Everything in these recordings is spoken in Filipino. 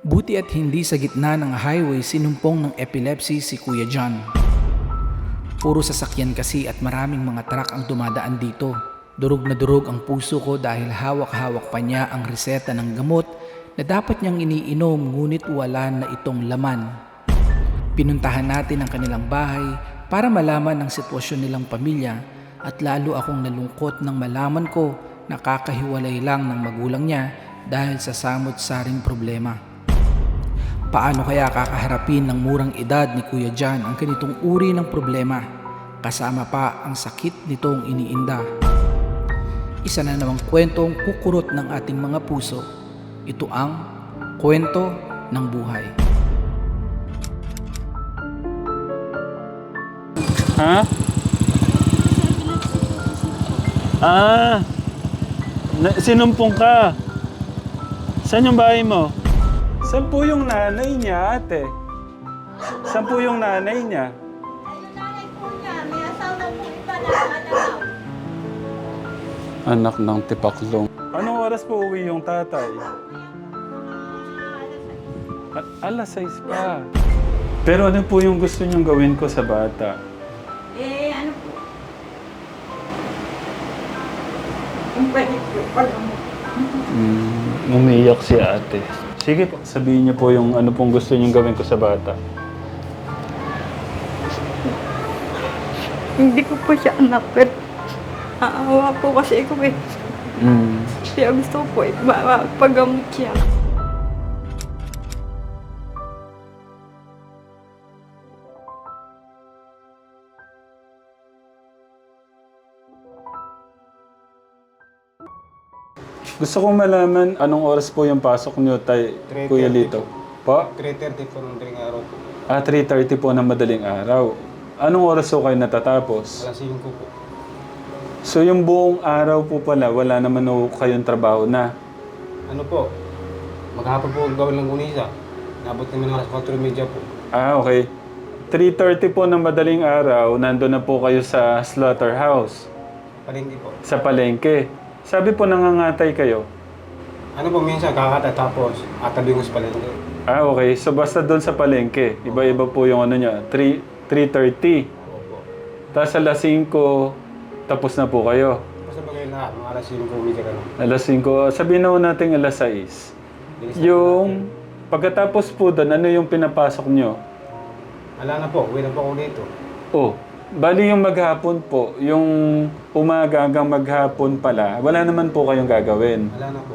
Buti at hindi sa gitna ng highway sinumpong ng epilepsy si Kuya John. Puro sasakyan kasi at maraming mga truck ang dumadaan dito. Durog na durog ang puso ko dahil hawak-hawak pa niya ang reseta ng gamot na dapat niyang iniinom ngunit wala na itong laman. Pinuntahan natin ang kanilang bahay para malaman ang sitwasyon nilang pamilya at lalo akong nalungkot nang malaman ko na kakahiwalay lang ng magulang niya dahil sa samot-saring problema. Paano kaya kakaharapin ng murang edad ni Kuya John ang ganitong uri ng problema, kasama pa ang sakit nitong iniinda? Isa na namang kwentong kukurot ng ating mga puso. Ito ang kwento ng buhay. Ha? Sinumpong ka. Saan yung bahay mo? Saan po yung nanay niya, ate? Saan po yung nanay niya? Ayun nanay po niya, may asawa po iba na anak. Anak ng tipaklong. Anong oras po uwi yung tatay? Alas 6 pa. Pero ano po yung gusto niyong gawin ko sa bata? Ano po? Yung pwede po, Umiiyak si ate. Sige po, sabihin niyo po yung ano pong gusto niyong gawin ko sa bata. Hindi ko po siya anak, pero naawa po kasi ako eh. Kaya gusto ko po pagamot siya. Gusto kong malaman anong oras po yung pasok niyo, Kuya Lito. Po? 3:30 po ng daling araw po. 3:30 po ng madaling araw. Anong oras po kayo natatapos? Alas 5 po. So yung buong araw po pala, wala naman po kayong trabaho na. Ano po? Maghapon po gawin ng gunisa. Nabot namin ng alas 4:30 po. Okay. 3:30 po ng madaling araw, nandun na po kayo sa slaughterhouse, Palengke po. sa palengke. Sabi po nangangatay kayo. Ano po, minsan kakata tapos atabingos palengke. Okay. So basta doon sa palengke, iba-iba po yung ano niya, 3:30. Opo. Tapos alas 5, tapos na po kayo. Basta bagay lahat, mga alas 5:30 ka lang. Alas 5, sabihin na natin alas 6. Bilis na Yung pagkatapos po doon, ano yung pinapasok nyo? Wala na po, uwi na po ako dito. Oh, bali yung maghapon po, yung umaga hanggang maghapon pala, wala naman po kayong gagawin. Wala na po.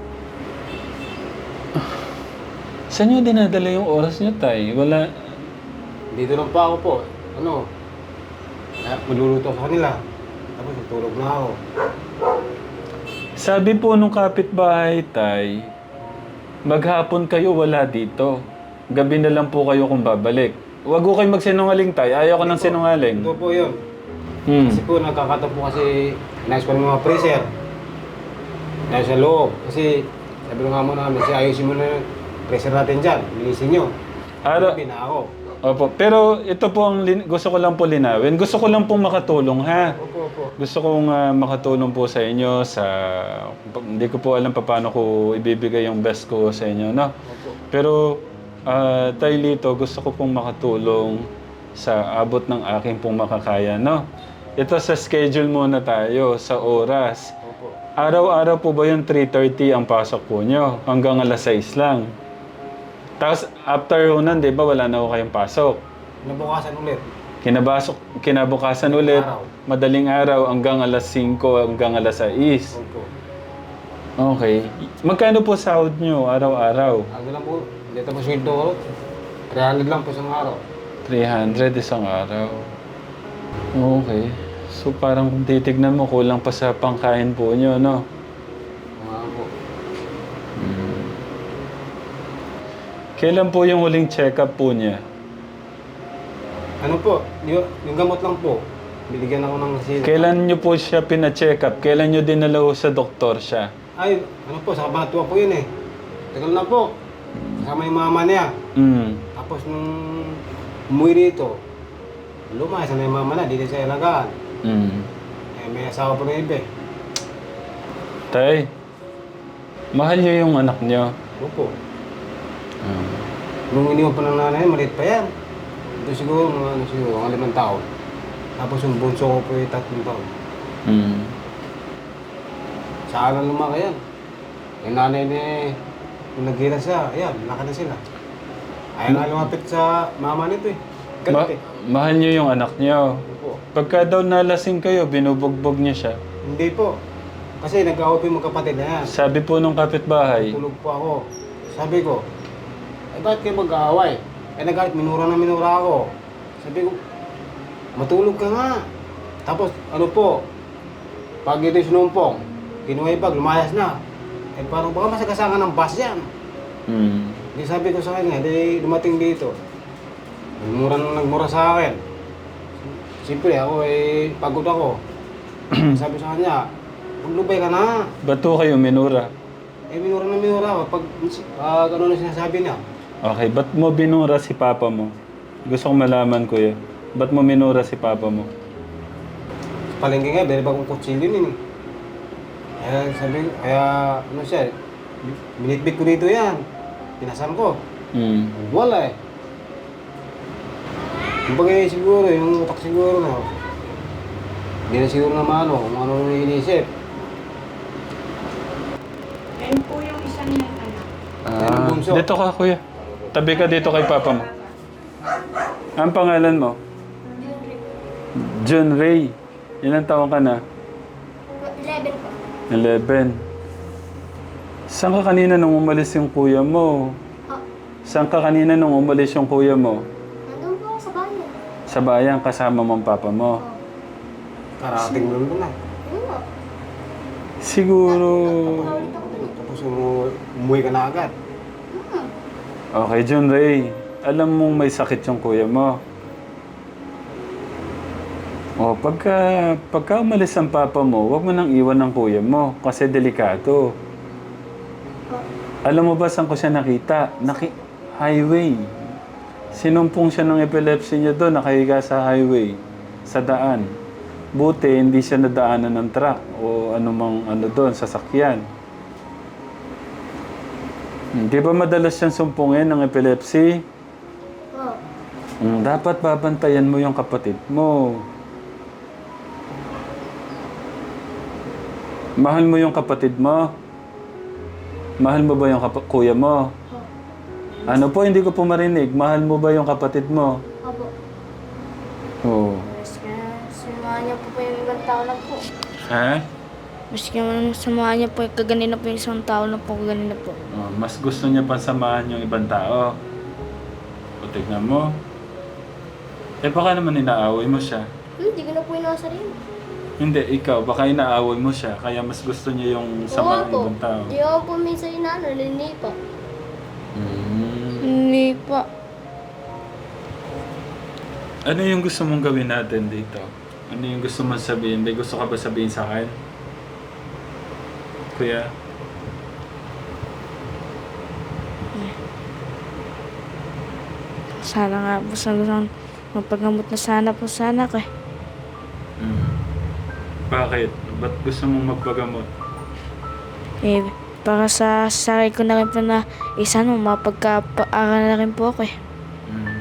Saan nyo dinadala yung oras nyo, tay? Wala. Dito lang pa ako po. Ano? Magluluto sa kanila. Tapos tutulog na ako. Sabi po nung kapitbahay, tay, maghapon kayo wala dito. Gabi na lang po kayo kung babalik. Huwag ko kayo magsinungaling, tay. Ayaw ko ng sinungaling. Ito po yun. Hmm. Kasi po nagkakataon po kasi inayos pa ng mga freezer. Inayos sa loob. Kasi sabi ng amo namin, ayusin mo na yung freezer natin dyan. Linisin nyo. Araw, Sabi na ako. Opo, pero ito po ang gusto ko lang po linawin. Gusto ko lang pong makatulong, ha? Opo, opo. Gusto kong makatulong po sa inyo sa... Hindi ko po alam paano ko ibibigay yung best ko sa inyo, no? Opo. Pero, Tay Lito, gusto ko pong makatulong sa abot ng aking pong makakaya, no? Ito sa schedule muna tayo, sa oras. Opo. Araw-araw po ba yung 3:30 ang pasok po nyo? Hanggang alas 6 lang. Tapos, after nun, di ba, wala na ako kayong pasok. Nabukasan ulit. Kinabukasan ulit, Araw. madaling araw, hanggang alas 5, hanggang alas 6. Opo. Okay. Magkano po sahod nyo araw-araw? Ano lang po, dito po sweldo ko. 300 lang po isang araw. 300 isang araw. Okay. So parang kung titignan mo, kulang pa sa pangkain po nyo, no? Mga po. Kailan po yung huling check-up po niya? Ano po, yung gamot lang po. Binigyan ako ng sila. Kailan nyo po siya pina-check up? Kailan nyo dinala ho sa doktor siya? Ay, ano po, sa Kabanatuan po yun eh. Tagal na po. Kasama yung mama niya. Tapos nung umuwi dito, lumayas na yung mama na, dito sa ilagaan. Eh, may asawa pa ng iba eh. Tay, mahal niyo yung anak niyo. Opo. Nung iniwan pa ng nanay, maliit pa yan. Ito siguro, mga 5 taon. Tapos yung bunso ko po ay 3 taon. Mm. Saan lang lumaki yan? Yung nanay ni, nung nagkita siya, ayan, laki na sila. Ayaw nga lumapit sa mama nito eh. Ma- Galit eh. mahal niyo yung anak niyo. Opo. Pagka daw nalasing kayo, binubugbog niya siya. Hindi po. Kasi nag-away po yung magkapatid na yan. Sabi po nung kapitbahay, Tulog po ako. Sabi ko, bakit kayo mag-aaway? Nagalit, minura na minura ako. Sabi ko, matulog ka nga. Tapos, ano po, pag ito sinumpong, kinuha yung bag, lumayas na. Parang baka masagasangan ng bus yan. mm, Di sabi ko sa kanya, di dumating dito. Nagmura sa akin. Siyempre, ako pagod ako. Sabi sa kanya, maglubay ka na. ba't po kayo minura? Minura na minura ako. Pag ano na sinasabi niya. Okay, ba't mo binura si papa mo? Gusto kong malaman, kuya. Ba't mo minura si papa mo? Palengke nga, dahil bagong kutsilyo yun eh. Kaya ano siya, binitbit ko dito yan. Pinasan ko. Mm. Wala eh. Kumbaga siguro, yung utak siguro na, hindi na siguro naman kung ano nung iniisip. Yan po yung isa niyang anak. Bunso. Dito ka, kuya. Tabi ka dito kay papa mo. Ang pangalan mo? John Ray. Ilang taon ka na? 11 po. 11. Saan ka kanina nung umalis yung kuya mo? Oh, Saan ka kanina nung umalis yung kuya mo? nandun po ako sa bayan. Sa bayan, kasama mo ang papa mo. Karating lang doon na. Yun po. Siguro... Nakaulit ako dun eh. Tapos umuwi ka na agad. Okay, John Ray. Alam mong may sakit yung kuya mo. O, pagka umalis ang papa mo, huwag mo nang iwan ng kuya mo kasi delikado. Alam mo ba saan ko siya nakita? Highway. Sinumpong siya ng epilepsy niya doon, nakahiga sa highway, sa daan. Buti, hindi siya nadaanan ng truck o anumang ano doon, sasakyan. Di ba madalas siyang sumpungin ng epilepsy? Oh, Dapat babantayan mo yung kapatid mo. Mahal mo yung kapatid mo? Mahal mo ba yung kuya mo? Ano po, hindi ko po marinig. Mahal mo ba yung kapatid mo? opo. Oo. Maski samahan niya po yung ibang tao na po. Ha? Maski samahan niya po yung kaganina po yung isang tao na po kaganina po. Oh, mas gusto niya pa samahan yung ibang tao. O, tignan mo. Eh, baka naman inaaway mo siya. Hindi ko na po inasa rin. Hindi, ikaw. Baka inaaway mo siya. Kaya mas gusto niya yung samahan ng ibang tao. Di ako po minsan inaano, nalinipa. Mm. Nalinipa. Ano yung gusto mong gawin natin dito? Ano yung gusto mong sabihin? May gusto ka ba sabihin sa akin? Kuya? Sana nga po sa gusto magpagamot na sana po sana ko eh. Mm. Bakit? Ba't gusto mong magpagamot? Eh, para sa sarili ko na rin po na isa no, mapagkapaaral na rin po ako eh. Mm.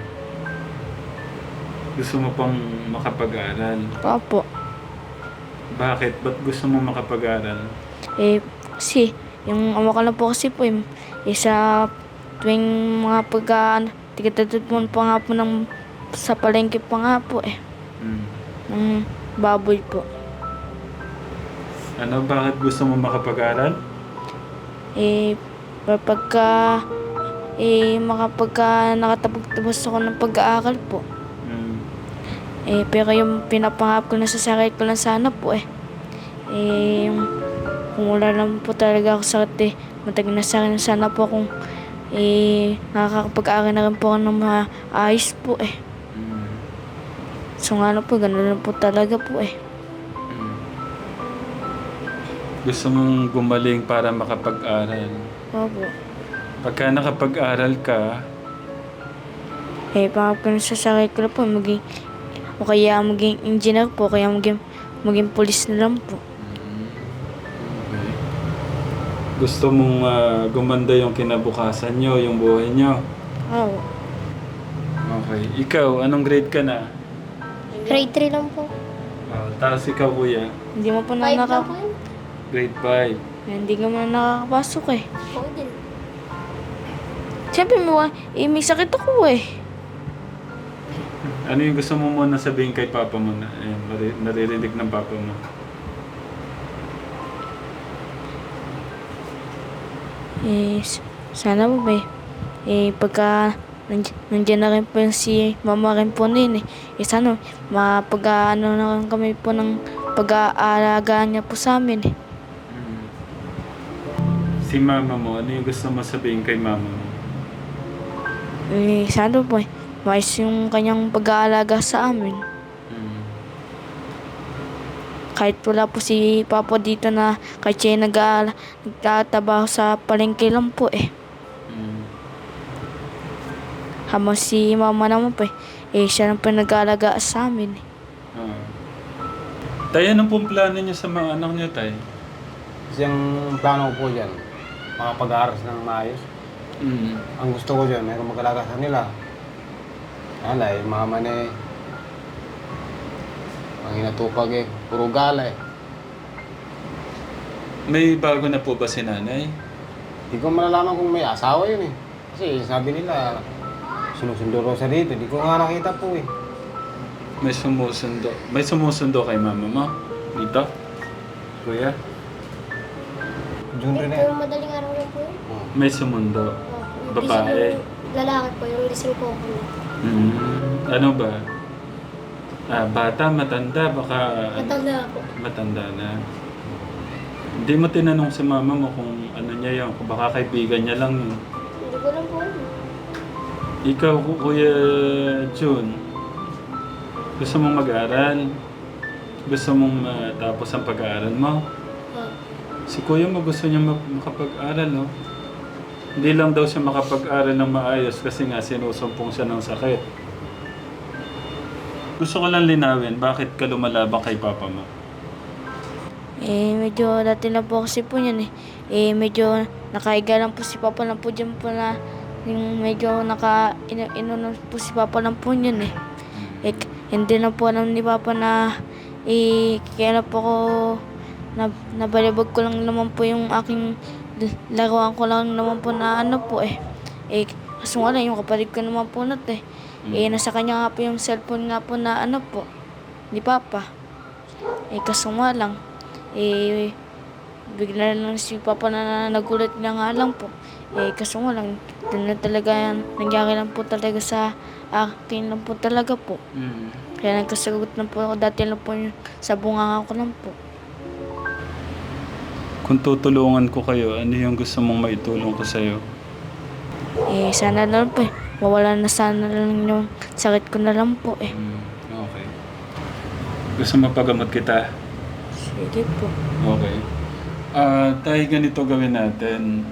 Gusto mo pang makapag-aral? Opo. Bakit? Ba't gusto mo makapag-aral? Eh, kasi, yung ama ko na po kasi po, sa tuwing mga tigatatod po nga po ng, sa palengke pa nga po eh, Mm. ng baboy po. Ano? Bakit gusto mo makapag-aral? Eh, makapagka nakatapos ako ng pag-aaral po. Mm. Eh, pero yung pinapangap ko na sa sarili ko lang sana po eh. Eh, kung wala lang po talaga ako sakit eh, matagal na sana po kung nakakapag-aaral na rin po ako ng maayos po eh. Mm. So nga na po, gano'n lang po talaga po eh. Mm. Gusto mong gumaling para makapag-aral. Opo. Pagka nakapag-aral ka, Eh, pangap ko na sa sarili ko lang po, o kaya maging engineer po, kaya maging police na lang po. okay. Gusto mong gumanda yung kinabukasan nyo, yung buhay nyo. Oo. Okay. Ikaw, anong grade ka na? Grade 3 lang po. Tapos ikaw, kuya, Hindi mo pa na 5 lang po yun. grade 5. Hindi ka man nakakapasok eh. Oo din. Siyempre may sakit ako eh. Ano yung gusto mo muna sabihin kay papa mo na naririnig ng papa mo? Sana po ba pagka nandiyan na rin po yung si mama rin po din sana mapag-ano na rin kami po ng pag-aalagaan niya po sa amin eh. Si mama mo, ano yung gusto mo sabihin kay mama mo? Sana po mais yung kanyang pag-aalaga sa amin. Kahit wala po si Papa dito na kahit siya nagtatrabaho sa palengke lang po eh. Habang si Mama naman po siya lang po nag-aalaga sa amin. Tay, anong pong plano niyo sa mga anak niyo, Tay? Kasi ang plano ko po dyan, makapag-aaral ng maayos. Ang gusto ko dyan, mayroong mag-alaga sa nila. Alay, mama na eh. Ang inatupag eh, puro gala eh. May bago na po ba si nanay? Di ko malalaman kung may asawa yun eh. Kasi sabi nila, sinusundo raw sa dito. Di ko nga nakita po eh. May sumusundo. May sumusundo kay mama mo? Dito? Kuya? June rin Ito eh. yung madaling araw lang po yun. May sumundo. Oh, yung Babae. gising ng lalaki po, yung gising ko ako. Ano ba? Bata, matanda, baka... Matanda po. Matanda na. Hindi mo tinanong si mama mo kung ano niya yun, kung baka kaibigan niya lang yun. Hindi ko lang po alam. Ikaw, Kuya June, gusto mong mag-aral? Gusto mong matapos ang pag-aaral mo? Oh. Si Kuya mo gusto niya makapag-aral, no? Hindi lang daw siya makapag-aral ng maayos kasi nga sinusumpong siya ng sakit. Gusto ko lang linawin, bakit ka lumalaban kay Papa mo? Medyo dati lang po kasi po yan medyo nakaiga lang po si Papa lang po dyan po na yung medyo ino po si Papa lang po yun hindi na po alam ni Papa na kaya po ko nabalibag ko lang naman po yung aking laruan ko lang naman po na ano po kaso nga lang yung kapatid ko naman po nasa kanya nga po yung cellphone nga po na ano po ni Papa kaso nga lang bigla lang si Papa na nagulat niya nga lang po kaso nga lang na talaga nangyari lang po talaga sa akin lang po talaga po kaya nagkasagot na po ako dati lang po yung sa bunganga ko lang po. Kung tutulungan ko kayo, ano yung gusto mong maitulong ko sa'yo? Sana lang po mawala na sana lang yung sakit ko na lang po Okay. Gusto mapagamot kita? Sige po. Okay. Tayo ganito gawin natin.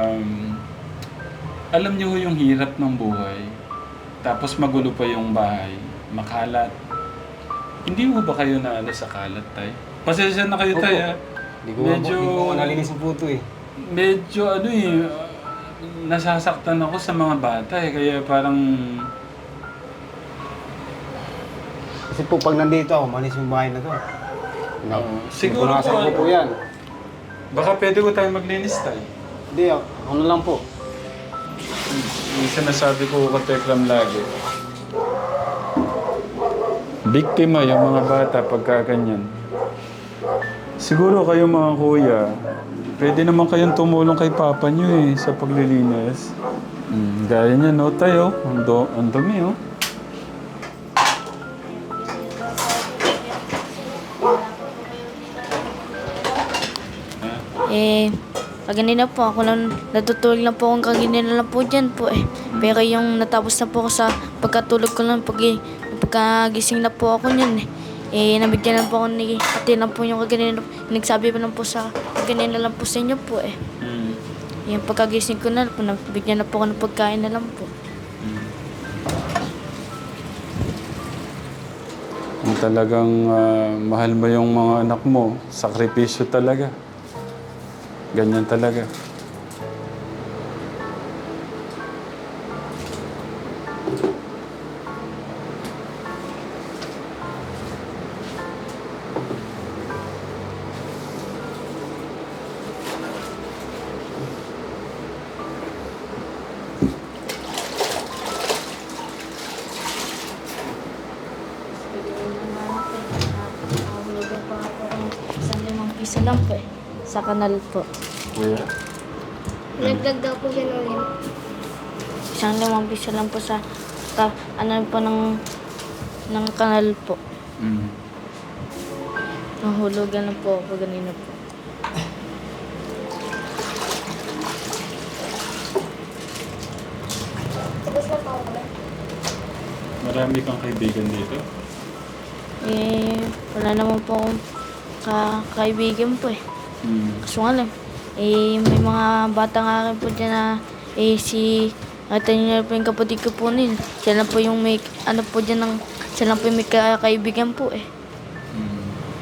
Alam niyo yung hirap ng buhay. Tapos magulo pa yung bahay. Makalat. Hindi mo ba kayo naala sa kalat, Tay? Pasensya na kayo, Opo. Tay, ha? Di ko nalinis yung puto eh. Medyo nasasaktan ako sa mga bata kaya parang... Kasi po pag nandito ako, malis yung bahay na to. siguro Punasan po, ko po yan. baka pwede ko tayo maglinis, Tay. Hindi, ano lang po. Yung sinasabi ko ka Tekram lagi. Biktima yung mga bata pagka ganyan. Siguro kayo mga kuya, pwede naman kayong tumulong kay papa nyo sa paglilinis. Gaya niya, no, tayo. Ang dumi, oh. Kaganina po ako lang natutulog lang po akong kaganina lang po dyan po Pero yung natapos na po ako sa pagkatulog ko lang pagkagising na po ako niyan nabigyan lang po ako ni ate lang po yung kaganina. Nagsabi pa lang po sa kaganina lang po sa inyo po Yung pagkagising ko na po, nabigyan na po ako ng pagkain na lang po. Talagang mahal mo yung mga anak mo. Sakripisyo talaga. Ganyan talaga. Nahulugan pa ako ng 5 lang po eh. Sa kanal po. Kuya? Nagdag daw po siya ng lim. 5 lang po sa ano po ng kanal po. Mm. Nahulugan na po ako ganina po. Tapos na po ako. Marami kang kaibigan dito? Wala naman po akong kaibigan po eh. Mm. Kaso nga lang, may mga bata nga rin po dyan na si ate niya po yung kapatid ko po nila. Siya lang po yung may, ano po dyan ng, siya lang po yung may kaibigan po eh. Mm.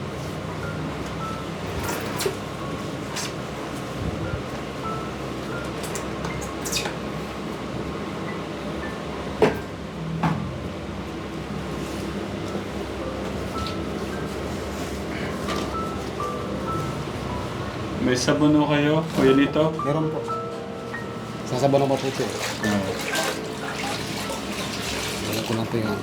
May sabuno kayo, Kuya Lito? Meron po. Sasabaw ng maputi. Oo. Wala ko lang po yan.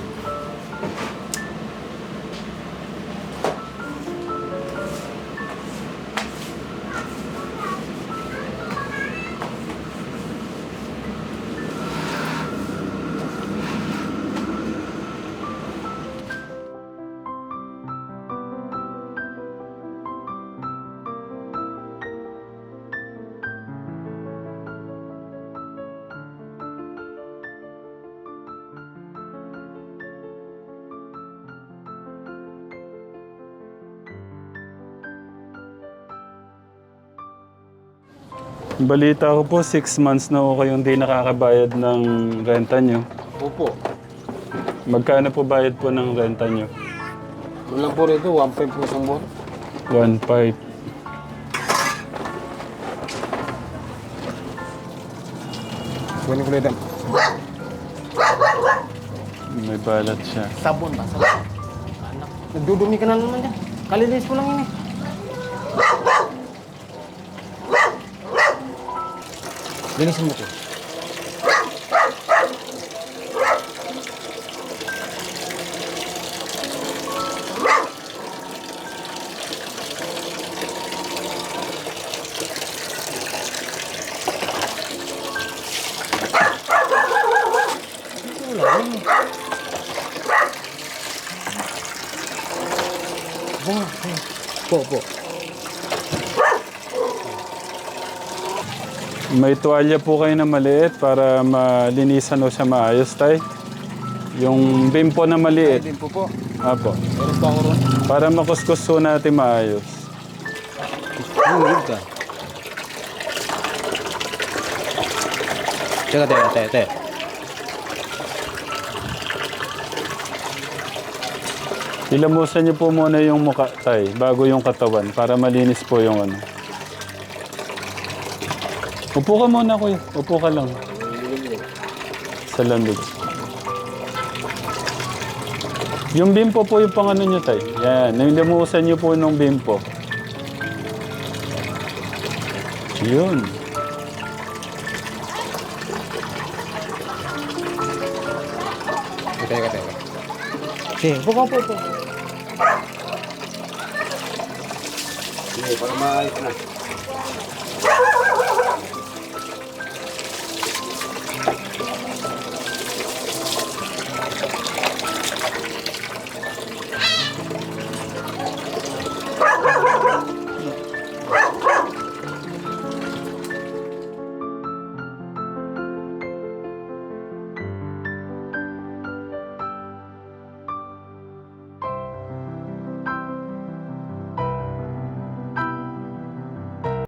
Balita ko po, 6 months na ako kayong di nakakabayad ng renta nyo. Opo. Magkano po bayad po ng renta nyo? Ano lang po rito, 1.5 po isang buwan. 1.5. Kunin ko lang. May balat siya. Sabon ba? Sabon. Anak. Nagdudumi ka na naman dyan. Kalilis ko lang yun eh. Linisin mo ko. Po. May tuwalya po kayo na maliit para malinisan o siya maayos, tay. Yung bimpo na maliit. Din po. Apo. Meron pa ako ron. Para makuskus po natin maayos. Huwag ka. Teka, te. Ilamusan niyo po muna yung mukha, tay, bago yung katawan, para malinis po yung ano. Upo ka muna, kuya. Upo ka lang. Sa lamig. Yung bimpo po yung pang ano nyo, tay. Yan. Nilamusan niyo po nung bimpo. Yun. Teka. Sige, po. Sige, para maayos na.